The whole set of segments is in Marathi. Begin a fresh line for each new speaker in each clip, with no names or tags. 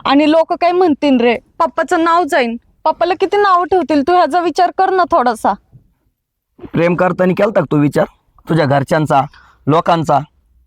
आणि लोक काय म्हणतील रे, पप्पाचं नाव जाईन, पप्पाला किती नाव ठेवतील. तू ह्याचा विचार कर ना थोडासा.
प्रेम करताना केलता का तू विचार तुझ्या घरच्यांचा, लोकांचा?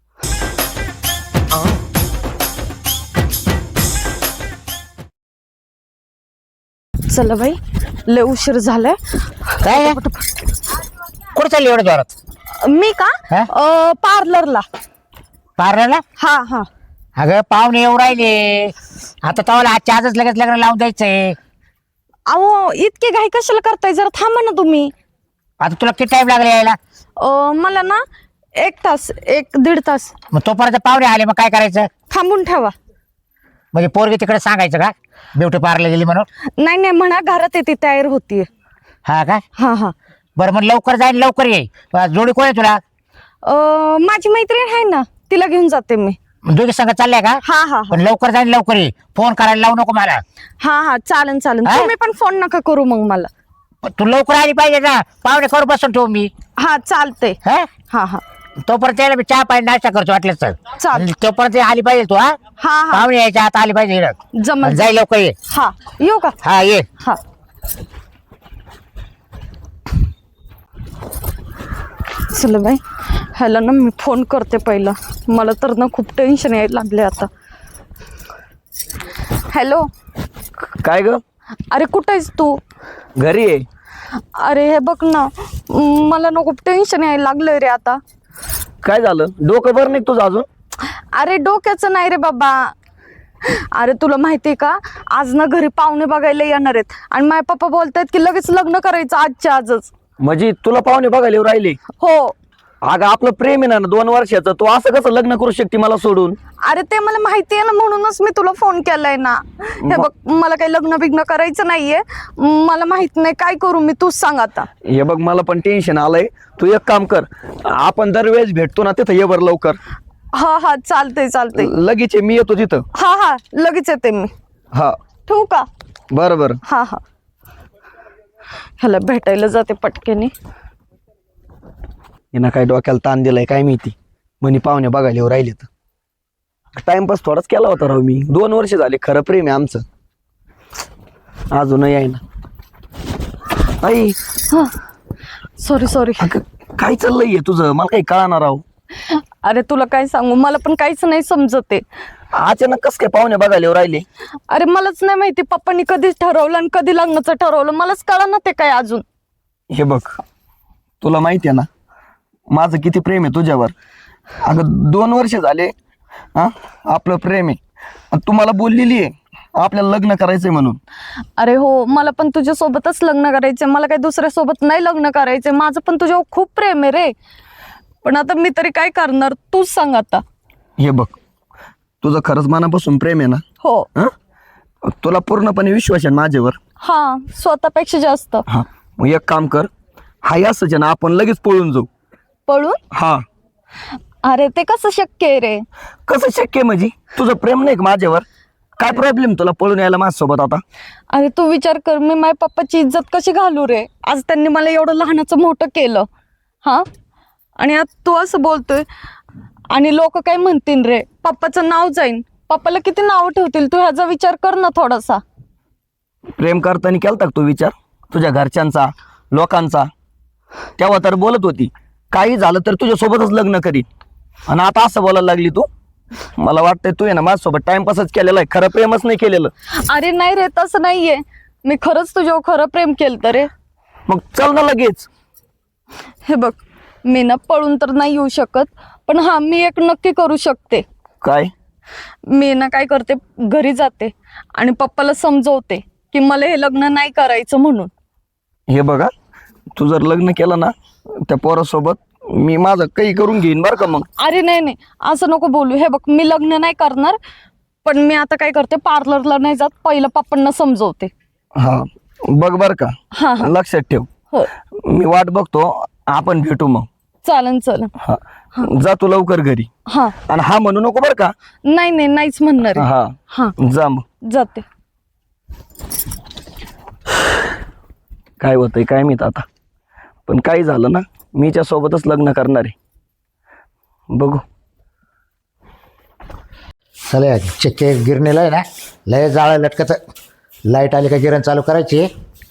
चला बाई, लय उशीर झालाय.
काय कुठं चालली एवढ्या जोरात?
मी का
हा?
पार्लरला.
पार्लरला?
हा हा.
अगं पाहुणे येऊ राहिले आता, तवाला आजच्या आजच लगेच लग्न लावून द्यायचंय.
अहो इतके घाई कशाला करताय, जरा थांबा ना तुम्ही.
आता तुला किती टाइम लागला यायला?
मला ना 1 तास, 1-1.5 तास.
मग तोपर्यंत पाहुणे आले, मग काय करायचं?
थांबून ठेवा.
म्हणजे पोरगी तिकडे सांगायचं का ब्युटी पार्लर गेली म्हणून?
नाही नाही म्हणा, घरात येते, तयार होतीये.
हा का?
हा हा.
बरं मग लवकर जाईल, लवकर ये. जोडी कोण आहे तुला?
माझी मैत्रीण आहे ना, तिला घेऊन जाते मी.
दोघी संग चालल्या का?
हा हा
पण लवकर जाईल, लवकर ये. फोन करायला लावू नको मला.
हा हा. चालन चालन,
हा?
तुम्ही पण फोन नका करू मग मला.
पण तू लवकर आली पाहिजे ना, पाहुणे करू बसून ठेवू मी.
हा चालते.
हा
हा हा.
तोपर्यंत यायला मी चहा पाणी नाश्ता करतो वाटलं तर.
चालेल.
तोपर्यंत आली पाहिजे तू. हा
हा हा.
पाहुणे यायच्या आता आली पाहिजे इकडं.
जमल.
जाई लवकर ये.
हा, येऊ का?
हा ये.
हा. चल बाई, ह्याला ना मी फोन करते पहिला. मला तर ना खूप टेन्शन यायला लागले आता. हॅलो.
काय ग?
अरे कुठं आहेस तू?
घरी आहे.
अरे हे बघ ना, मला ना खूप टेन्शन यायला लागलंय रे आता.
काय झालं? डोकं बरं नाही तुझं अजून?
अरे डोक्याचं नाही रे बाबा. अरे तुला माहितीये का, आज ना घरी पाहुणे बघायला येणार आहेत आणि माझे पप्पा बोलतायत की लगेच लग्न करायचं आजच्या आजच.
म्हणजे तुला पाहुणे बघायला येऊ राहिले?
हो.
अगं आपलं प्रेम आहे ना 2 वर्षाचं, तू असं कसं लग्न करू शकते मला सोडून?
अरे ते मला माहिती आहे ना, म्हणूनच मी तुला फोन केलाय ना. हे बघ, मला काही लग्न बिग्न करायचं नाहीये. मला माहित नाही काय करू मी, तूच सांग आता.
हे बघ मला पण टेन्शन आलंय. तू एक काम कर, आपण दरवेळेस भेटतो ना तिथं ये बरं लवकर.
हा हा. चालतंय चालतंय.
लगेच ये, मी येतो तिथं.
हा हा, लगेच येते मी.
हा
ठेवू का?
बरं बरं.
हा हा. ह्याला भेटायला जाते पटकेने.
हिनं काय डोक्याला ताण दिलाय काय माहिती, म्हणे पाहुणे बघायला येऊ राहिले. तर टाइमपास थोडाच केला होता राव मी. 2 वर्ष झाले, खरं प्रेम आहे आमचं. अजूनही आहे ना. आई
सॉरी सॉरी.
काय चाललंय तुझं? मला काही कळणार राव.
अरे तुला काय सांगू, मला पण काहीच नाही समजते.
अचानक कस काय पाहुणे बघायला येऊ राहिले?
अरे मलाच नाही माहिती पप्पांनी कधी ठरवलं आणि कधी लग्नाचं ठरवलं, मलाच कळा ना ते काय अजून.
हे बघ, तुला माहिती आहे ना माझं किती प्रेम आहे तुझ्यावर. अगं 2 वर्ष झाले हा आपलं प्रेम आहे, आणि तू मला बोललेली आहे आपल्याला लग्न करायचंय म्हणून.
अरे हो, मला पण तुझ्या सोबतच लग्न करायचंय, मला काही दुसऱ्या सोबत नाही लग्न करायचंय. माझं पण तुझ्यावर खूप प्रेम आहे रे, पण आता मी तरी काय करणार, तूच सांग आता.
हे बघ, तुझं खरंच मनापासून प्रेम आहे ना?
हो.
तुला पूर्णपणे विश्वास आहे माझ्यावर?
हा, स्वतःपेक्षा जास्त.
हा, मग एक काम कर, हाय असंच आहे ना, आपण लगेच पळून जाऊ.
पळून?
हा.
अरे ते कसं शक्य आहे रे?
कसं शक्य म्हणजे? तुझं प्रेम नाही का माझ्यावर? काय प्रॉब्लेम तुला पळून यायला माझ्यासोबत आता?
अरे तू विचार कर, मी माझ्या पप्पाची इज्जत कशी घालू रे? आज त्यांनी मला एवढं लहानाचं मोठं केलं, हा, आणि आज तू असं बोलतोय. आणि लोक काय म्हणतील रे, पप्पाचं नाव जाईन, पप्पाला किती नाव ठेवतील. तू ह्याचा विचार कर ना थोडासा.
प्रेम करताना केलता का तू विचार तुझ्या घरच्यांचा, लोकांचा? तेव्हा तर बोलत होती काही झालं तर तुझ्यासोबतच लग्न करीन, आणि आता असं बोलायला लागली तू? मला वाटतंय तू आहे ना माझ्यासोबत टाइमपासच केलेला आहे, खरं प्रेमच नाही केलेलं.
अरे नाही रे, तसं नाहीये, मी खरंच तुझ्यावर खरं प्रेम केलं रे.
मग चल ना लगेच.
हे बघ, मी ना पळून तर नाही येऊ शकत, पण हा मी एक नक्की करू शकते.
काय?
मी ना काय करते, घरी जाते आणि पप्पाला समजवते की मला हे लग्न नाही करायचं म्हणून.
हे बघा, तू जर लग्न केलं ना त्या पोरासोबत, मी माझं काही करून घेईन बरं का मग.
अरे नाही नाही, असं नको बोलू. हे बघ, मी लग्न नाही करणार, पण मी आता काय करते, पार्लरला नाही जात, पहिलं पप्पांना समजवते.
हा बघ बर का.
हा हा.
लक्षात ठेव.
हो,
मी वाट बघतो, आपण भेटू मग.
चालन चालन.
हा, जा तू लवकर घरी.
हा.
आणि हा म्हणू नको बर का.
नाही नाही, नाहीच म्हणणार आहे.
हा
हा,
जा मग.
जाते.
काय होतंय काय माहित आता, पण काही झालं ना मीच्या सोबतच लग्न करणार आहे, बघू.
चला चक्के गिरणीला आहे ना लय जाळं लटकत. लाईट आली का गिरण चालू करायची.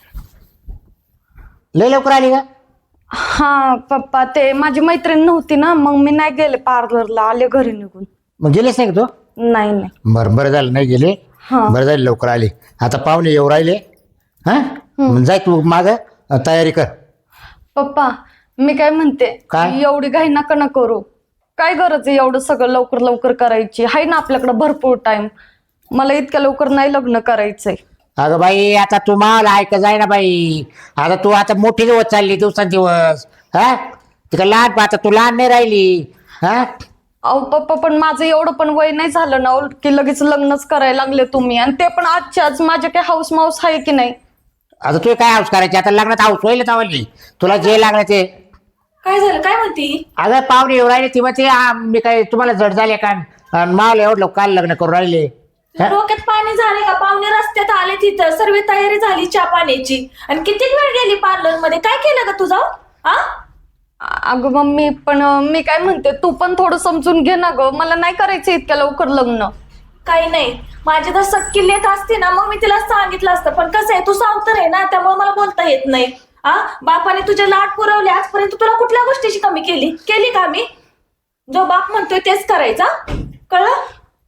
लय लवकर आली का?
हा पप्पा ते माझी मैत्रीण नव्हती ना मग मी नाही गेले पार्लरला आले घरी निघून.
मग गेलीच नाही का तू?
नाही नाही.
बरं झालं नाही गेली.
हा.
बरं झालं लवकर आली. आता पाहुणे येऊ राहिले. हां जाय तू माग तयारी कर.
पप्पा मी काय म्हणते
काय?
एवढी घाई नका ना करू. काय गरज आहे एवढं सगळं लवकर लवकर करायची. आहे ना आपल्याकडे भरपूर टाइम. मला इतक्या लवकर नाही लग्न करायचंय.
अगं बाई आता तू मला ऐक जाय ना बाई. आता तू आता मोठी होत चालली दिवसांदिवस. हा तिकडे लहान आता तू लहान नाही राहिली. हा
अहो पप्पा पण माझं एवढं पण वय नाही झालं ना की लगेच लग्नच करायला लागले तुम्ही. आणि ते पण आजच्या आज माझे काय हाऊस माऊस आहे की नाही.
आता तू काय हाऊस करायची? आता लग्नात हाऊस होईल तावली. तुला जे लागलं ते.
काय झालं काय म्हणती?
अगं पाहुणे येऊ राहिले ती मग ते मी काय तुम्हाला जड झाले का? मावलं एवढं लोक काल लग्न करून राहिले. हा?
डोक्यात पाणी झाले का? पाहुणे रस्त्यात आले तिथं सर्व तयारी झाली चहा पाण्याची आणि किती वेळ गेली पार्लर मध्ये. काय केलं का तुझं? हा
अगं मम्मी पण मी काय म्हणते तू पण थोडं समजून घे ना ग. मला नाही करायचं इतक्या लवकर लग्न.
काही नाही. माझी तर सक्की लेट असते ना मग मी तिला सांगितलं असतं. पण कसं आहे तू सावतर आहे ना त्यामुळे मला बोलता येत नाही. हा बापाने तुझे लाड पुरवले आजपर्यंत. तुला कुठल्या गोष्टीची कमी केली का मी? जो बाप म्हणतोय तेच करायचा. कळलं?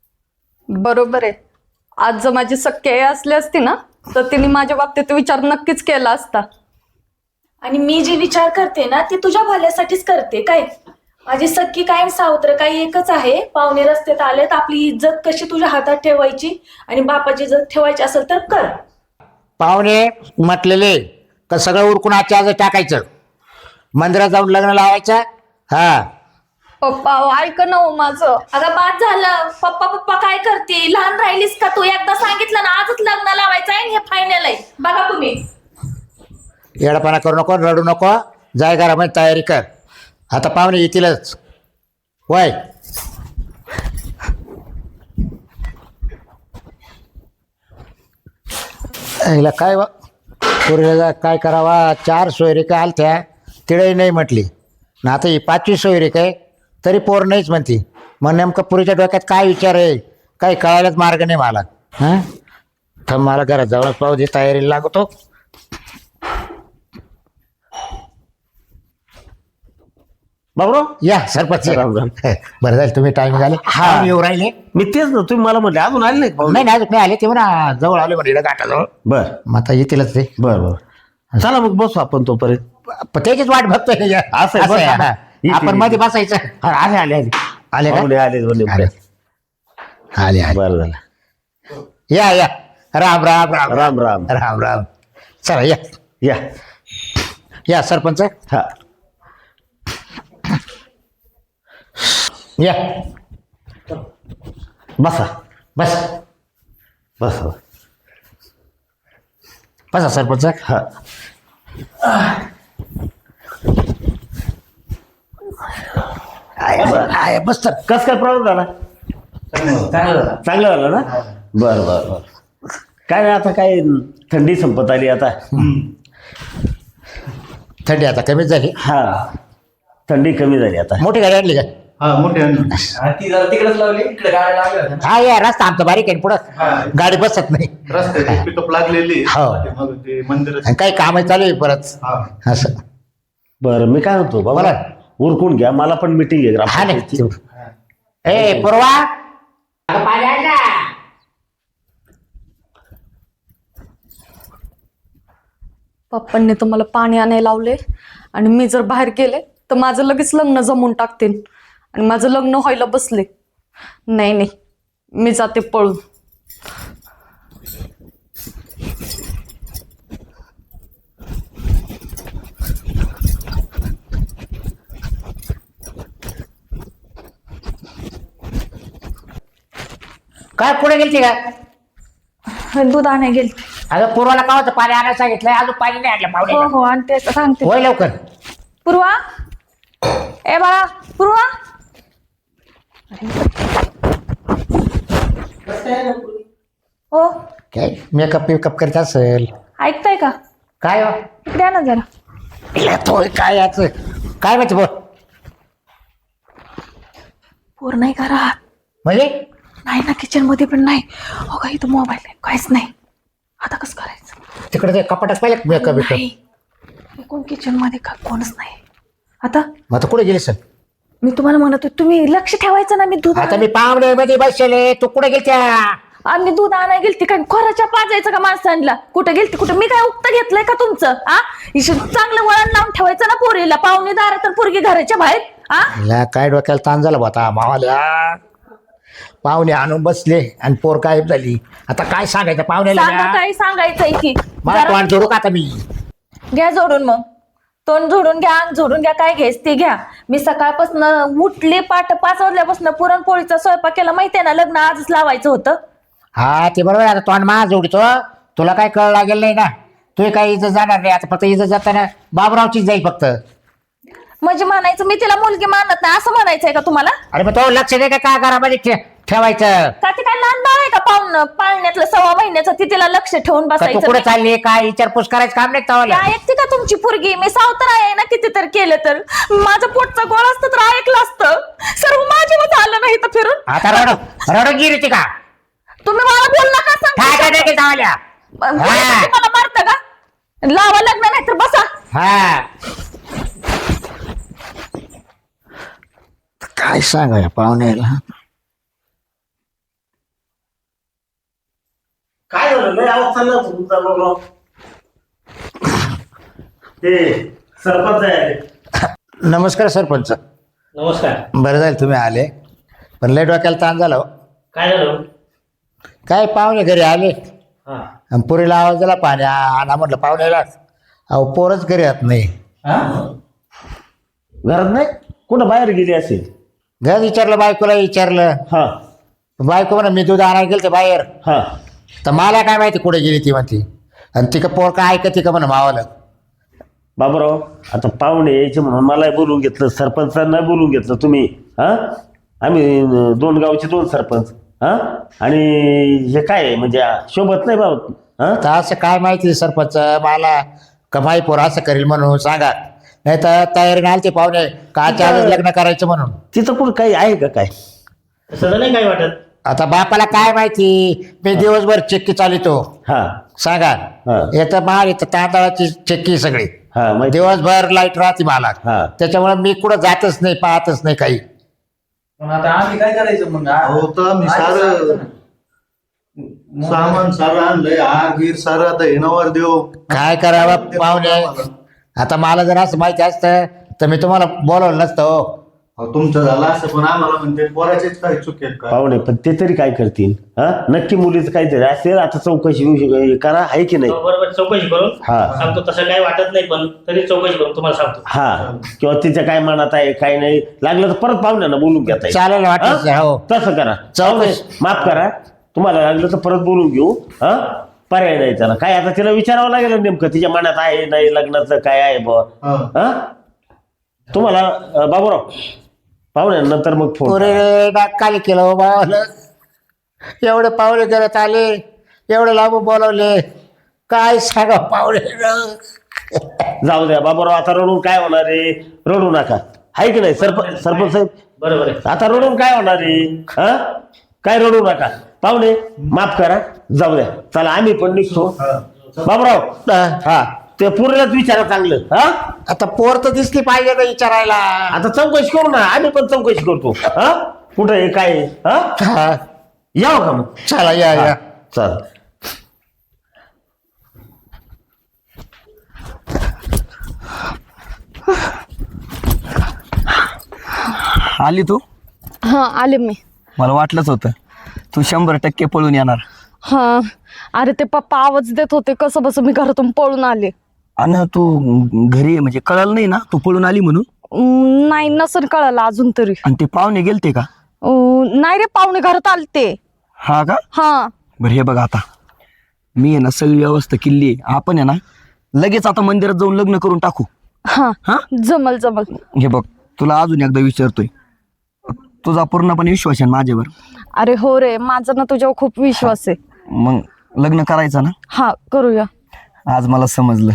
बरोबर आहे. आज जर माझी सख्खी आई असली असती ना तर तिने माझ्या बाबतीत विचार नक्कीच केला असता.
आणि मी जे विचार करते ना ते तुझ्या भल्यासाठीच करते. काय माझी सख्खी कायम सावत्र काही एकच आहे. पाहुणे रस्त्यात आलेत आपली इज्जत कशी तुझ्या हातात ठेवायची आणि बापाची इज्जत ठेवायची असेल तर कर.
पाहुणे म्हटलेले का सगळं उरकून आजच्या आज टाकायचं. मंदिरात जाऊन लग्न लावायचं. हा
पप्पा ऐक ना हो माझं.
अगं बाद झालं. पप्पा पप्पा काय करते? लहान राहिलीस का तू? एकदा सांगितलं ना आजच लग्न लावायचं आहे. हे फायनल आहे बघा तुम्ही.
येडापणा करू नको रडू नको. जाय घरामध्ये तयारी कर. आता पाहुणे येतीलच. वय हिला काय पुरीला काय करावा. 4 सोयरिका आलत्या तिळही नाही म्हटली ना. आता ही 5वी सोयरीक आहे तरी पोर नाहीच म्हणती. मग नेमकं पुरीच्या डोक्यात काय विचार आहे काही कळायलाच मार्ग नाही मला. हां थांब मला घरात जाऊनच पाहू दे. तयारीला लागतो.
बाबरो
या सरपंच
राम राम.
बरं झालं तुम्ही टाइम झाले. हा येऊ राहिले.
मी तेच ना तुम्ही मला म्हटले अजून आले नाही पाहुणे.
नाही नाही अजून नाही आले. ते म्हणा जवळ आले म्हणजे घाटाजवळ.
बर
मग आता येतीलच ते.
बर बर चला मग बसू आपण तोपर्यंत.
त्याचीच वाट बघतोय.
असं आहे,
असं आहे,
बरं.
हा.
येतील,
आपण मध्ये बसायचं.
हा, आले आले आले
आले का?
पाहुणे आले दोन्ही.
आले आले.
बरं झालं.
या या राम राम राम
राम राम.
राम राम. चला या
या
या सरपंच
हा
या
बसा
बस
बसा.
बसा सरपंच.
हा
बस तर.
कस काय प्रॉब्लेम झाला? चांगलं झालं ना. बर बर बर. काय नाही आता काय थंडी संपत आली आता.
थंडी आता कमीच झाली.
हा थंडी कमी झाली आता.
मोठी गाडी आणली का?
हा मोठे ती जरा तिकडेच लावली इकडे गाड्या लागल्या होत्या.
हा या रस्ता आमचा बारीक आहे पुढं गाडी बसत नाही.
रस्त्याची पिकअप लागलेली
हो.
मग ते मंदिर
आणि काही काम चालू आहे परत
हा
असं.
बरं मी काय म्हणतो बाबा
बोला.
उरकून घ्या. मला पण मिटिंग आहे
हा
ग्रामपंचायतची.
नाही ए पूर्वा अगं पाणी आण ना.
पप्पांनी तर मला पाणी आणायला लावले आणि मी जर बाहेर गेले तर माझं लगेच लग्न जमवून टाकतील आणि माझं लग्न व्हायला बसले. नाही नाही मी जाते पळून.
काय पुढे गेलती का?
दूध आणाय गेली.
अगं पूर्वाला का होतं पाणी आणायला सांगितलंय अजून पाणी नाही आणलं
हो
पाहुणे.
हो आणते सांगते.
होय लवकर.
पूर्वा ए बाळा पूर्वा. हो
काय मेकअप करीत असेल.
ऐकताय का?
काय हो?
इकडे या ना जरा.
इला तो काय याच काय माहिती बोल.
पूर नाही करा.
म्हणजे
नाही ना किचन मध्ये पण नाही. हो का इथं मोबाईल आहे काहीच नाही. आता कसं करायचं?
तिकडे ते कपाटात पाहिलं मेकअप बिकअप.
नाही. कोण किचन मध्ये का कोणच नाही. आता
मग आता कुठे गेली सर?
मी तुम्हाला म्हणतो तुम्ही लक्ष ठेवायचं ना. मी दूध
आता मी पाहुण्यामध्ये बसले, तू कुठे गेलत्या?
आणि दूध आणायला गेलती काय खोराच्या पाजायचं का माणसांना? कुठं गेलती कुठं? मी काय उक्त घेतलंय का तुमचं? चांगलं वळण लावून ठेवायचं ना पोरीला. पाहुणे दारात तर पोरगी घराच्या बाहेर.
हिला काय डोक्याला ताण झाला होता मावाल्या. पाहुणे आणून बसले आणि पोर गायब झाली. आता काय सांगायचं
सांगा
पाहुण्याला?
काय सांगायचंय की
मला
जरा
तोंड जोडू का आता मी?
घ्या जोडून. मग तोंड जोडून घ्या, अंग जोडून घ्या, काय घ्यायच ते घ्या. मी सकाळपासून उठले 5 वाजल्यापासून पुरणपोळीचा स्वयंपाक केला. माहितीये ना लग्न आजच लावायचं होतं.
हा ते बरोबर आहे. आता तोंड मा जोडतो. तुला काय कळ लागेल नाही ना. तू काही इज्जत जाणार नाही. आता फक्त इज्जत जाताना बाबरावचीच जाईल फक्त.
म्हणजे म्हणायचं मी तिला मुलगी मानत नाही असं म्हणायचंय का तुम्हाला?
अरे मग तो लक्ष दे का काय घरामध्ये ठेवायचं?
का ते काय लहान बाळ आहे का? पाळण्यातलं 6 महिन्याचं ती तिला लक्ष ठेवून
का तू
बसायचं
कुठे
नाही?
चालली काय विचारपूस करायचं काम नाही तवाला.
काय ऐकते का तुमची पोरगी? मी सावतर आहे ना. किती तर केलं तर माझं पोटचं गोळ असतं तर ऐकलं असतं. सर्व माझ्यावर आलं नाही तर फिरून.
आता रडून गिरी का?
तुम्ही मला बोल नका
काय काय नाही तवाल्या.
मला मारतं का? लावा लग्न नाही तर बसा.
हा काय सांगा पाहुण्याला?
काय झालं लय आवाज चालला होता तुमचा बरोबर. ते सरपंच आहे.
नमस्कार सरपंच.
नमस्कार.
बरं झालं तुम्ही आले. पण लय डोक्याला ताण झाला हो.
काय झालं?
काय पाहुणे घरी आले
हा
आणि पुरीला आवाज दिला पाणी आणा म्हटलं पाहुण्याला. अहो पोरच घरी येत नाही.
घरात नाही कुठं बाहेर गेली असेल.
घर विचारलं, बायकोला विचारलं.
हा
बायको म्हणा मी दूध आणायला गेलते बाहेर.
हा
तर मला काय माहिती कुठे गेली ती म्हणती. आणि ती का पोर काय ऐकते का म्हणा मावाला.
बाबूराव आता पाहुणे यायचे म्हणून मला बोलून घेतलं, सरपंचांना बोलून घेतलं तुम्ही. हा आम्ही 2 गावचे 2 सरपंच. हा आणि हे काय आहे, म्हणजे शोभत नाही बाबा. हा
तर असं काय माहिती सरपंच मला का माई पोर असं करेल म्हणून सांगा. नाही तर तयारी नाही ते पाहुणे काच्या आधीच लग्न करायचं म्हणून.
तिथं कुठं काही आहे का काय? तसं नाही काय वाटत.
आता बापाला काय माहिती. मी दिवसभर चक्की चालितो
हा
सांगा.
हा.
येतं माल येतं तांदळाची चक्की सगळी.
हा माहिती.
दिवसभर लाईट राहते मला.
हा.
त्याच्यामुळे मी कुठं जातच नाही, पाहतच नाही काही.
पण आता आम्ही काय करायचं मग?
होतं मी सारं सामान सारं आणलंय. आग गिर सारं आता येणावर देऊ.
काय करावं पाहुणे? आता मला जर असं माहिती असतं तर मी तुम्हाला बोलवलं नसतं हो.
तुमचं झालं असं पण आम्हाला म्हणते पोराचेच काही चुक आहेत का?
पाहुणे पण ते तरी काय करतील? हा नक्की मुलीचं काहीतरी असेल. आता चौकशी करा आहे की नाही?
बरोबर चौकशी करून
हा.
सांगतो. तसं काही वाटत नाही पण तरी चौकशी करून तुम्हाला सांगतो.
हा किंवा तिच्या काय मनात आहे काय नाही लागलं तर परत पाहुण्यांना बोलून घेता येईल.
चालेल वाटलं हो.
तसं करा.
चौकशी.
माफ करा. तुम्हाला लागलं तर परत बोलून घेऊ. हा पर्याय नाही त्याला. काय आता तिला विचारावं लागेल नेमकं तिच्या मनात आहे नाही लग्नाचं काय आहे बुवा.
हा.
हा तुम्हाला बाबूराव पाहुण्यांनंतर मग फोन
पुरे नाकाली केलं हो बाबाला. एवढे पाहुणे करत आले, एवढे लांब बोलवले. काय सांगा पाहुणे.
जाऊ द्या बाबूराव. आता रडून काय होणार आहे? रडू नका. आहे की नाही सरपंच साहेब?
बरोबर आहे.
आता रडून काय होणार आहे? हा काय रडू नका. पाहुणे माफ करा. जाऊ द्या. चला आम्ही पण निघतो. बाबूराव हा ते पुरेलाच विचारा चांगलं. हा
आता पोर तर दिसली पाहिजे ना विचारायला.
आता चौकशी करू ना. आम्ही पण चौकशी करतो. हा कुठं आहे काय आहे? हा
हा,
यावं का मग?
चला या या.
चल.
आली तू?
हा आले मी.
मला वाटलंच होतं तू 100% पळून येणार.
हा अरे ते पप्पा आवाज देत होते कसं बस मी घरातून पळून आले.
आणि तू घरी आहे म्हणजे कळलं नाही ना तू पळून आली म्हणून?
नाही नसेल कळालं अजून तरी.
आणि ते पाहुणे गेलते का?
नाही रे पाहुणे घरात आलते.
हा का?
हा
बरं हे बघ आता मी आहे ना सगळी व्यवस्था केली आहे. आपण आहे ना लगेच आता मंदिरात जाऊन लग्न करून टाकू.
हा
हा
जमल जमल.
हे बघ तुला अजून एकदा विचारतोय. तुझा पूर्णपणे विश्वास आहे ना माझ्यावर?
अरे हो रे माझा ना तुझ्यावर खूप विश्वास आहे.
मग लग्न करायचं ना?
हा करूया.
आज मला समजलं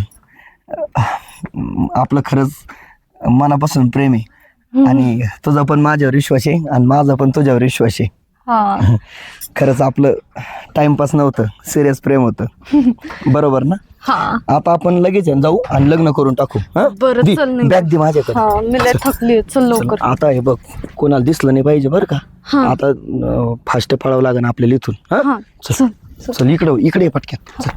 आपलं खरंच मनापासून प्रेम आहे. आणि तुझा पण माझ्यावर विश्वास आहे आणि माझा पण तुझ्यावर विश्वास आहे.
हा
खरंच आपलं टाइमपास नव्हतं, सिरियस प्रेम होतं. बरोबर ना?
हा
आता आपण लगेच आहे ना जाऊ आणि लग्न करून टाकू.
बरं, चल निघू.
बॅग दे माझ्याकडे.
हा मी लय थकली चल लवकर.
आता हे बघ, कोणाला दिसलं नाही पाहिजे बरं का.
हा.
आता फास्ट पळावं लागेल आपल्याला इथून.
हा
चल चल इकडे पटक्यात चल.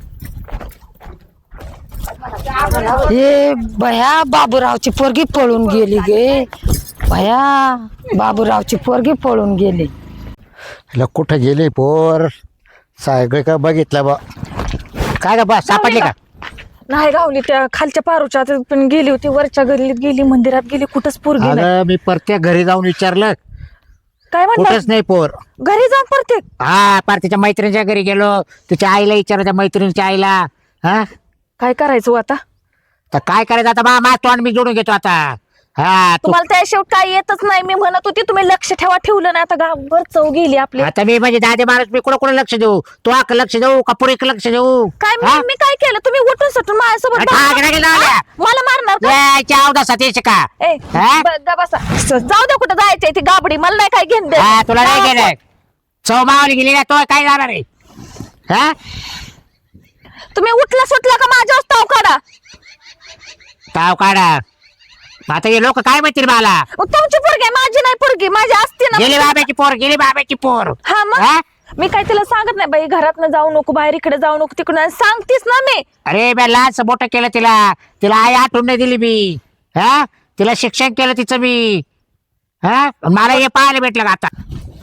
हे बया बाबूरावची पोरगी पळून गेली गे. बया बाबूरावची पोरगी पळून गेली.
हिला कुठं गेली पोर? सगळे का बघितलं बा. काय का बा सापडली का?
नाही गावली, त्या खालच्या पारूच्या आत पण गेली होती, वरच्या गल्लीत गेली, मंदिरात गेली, कुठंच पोरगी नाही.
अगं मी प्रत्येक घरी जाऊन विचारलं,
काय म्हणतात?
कुठंच नाही पोर.
घरी जाऊन प्रत्येक
हा पार तिच्या मैत्रिणीच्या घरी गेलो, तिच्या आईला विचारलं, त्या मैत्रिणीच्या आईला. हा
काय करायचं हो आता?
तर काय करायचं आता? मा तोंड मी जोडून घेतो आता. हा तू
तुम्हाला त्या शेवट काय येतच नाही. मी म्हणत होती तुम्ही लक्ष ठेवलं नाही. आता गावभर चव गेली आपली.
आता मी म्हणजे दादे माणूस, मी कुठं लक्ष देऊ? तू आक लक्ष देऊ का पुरेक लक्ष देऊ?
काय मी काय केलं? तुम्ही उठून सुटून माझ्यासोबत
अच्छा,
भांडण-
गेला, गेला, गेला.
मला मारणार का?
चौदा येते का?
ए,
हा?
गा बसा. जाऊ दे, कुठं जायचंय ती गाबडी, मला नाही काय घेऊन दे.
हा तुला नाही गेलं. चौमावली गेली ना, तो काय जाणार आहे? हा
तुम्ही उठला सुटला का माझ्यावर ताव काढा.
ताव काढा. आता हे लोक काय म्हणतील मला?
तुमची पोरगी आहे, माझी नाही पोरगी. माझी असते ना.
गेली बाबाची पोर, गेली बाबाची पोर.
हा मग
हा?
मी काय तिला सांगत नाही बाई, घरात जाऊ नको, बाहेर इकडे जाऊ नको, तिकडे सांगतीस ना मी.
अरे मी लहानच मोठं केलं तिला. तिला आई आठवण नाही दिली मी. हा तिला शिक्षण केलं तिचं मी. हा मला हे पाहायला भेटलं का आता?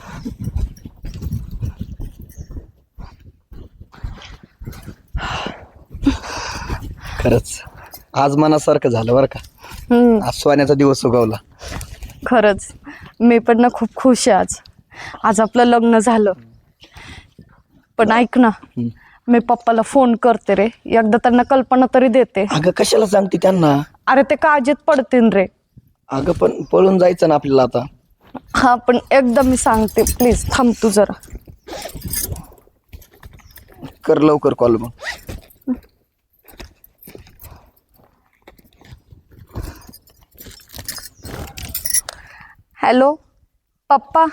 खरंच आज मनासारखं झालं बरं का. आज सोन्याचा दिवस उगवला.
खरंच मी पण ना खूप खुश आहे आज आपलं लग्न झालं. पण ऐक ना, मी पप्पाला फोन करते रे, एकदा त्यांना कल्पना तरी देते.
अगं कशाला सांगते त्यांना?
अरे ते काळजीत पडतील रे.
अगं पण पळून जायचं ना आपल्याला आता.
हा पण एकदा मी सांगते, प्लीज थांब तू जरा.
कर लवकर कॉल मग.
हॅलो पप्पा.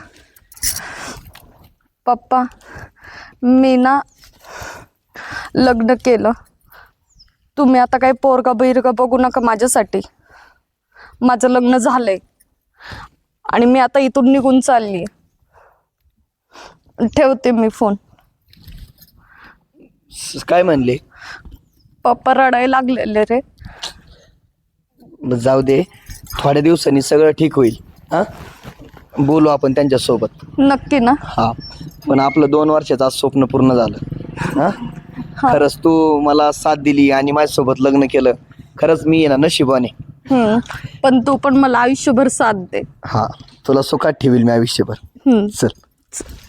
पप्पा मी ना लग्न केलं. तुम्ही आता काही पोरगा बिरगा बघू नका माझ्यासाठी. माझं लग्न झालंय आणि मी आता इथून निघून चालली. ठेवते मी फोन.
काय म्हणले?
पप्पा रडायला लागलेले रे.
मग जाऊ दे, थोड्या दिवसांनी सगळं ठीक होईल. हा बोलू आपण त्यांच्यासोबत.
नक्की ना?
हा पण आपलं 2 वर्षाचं आज स्वप्न पूर्ण झालं. हा खरंच तू मला साथ दिली आणि माझ्यासोबत लग्न केलं. खरंच मी आहे ना नशिबाने.
पण तू पण मला आयुष्यभर साथ दे.
हा तुला सुखात ठेवील मी आयुष्यभर. चल.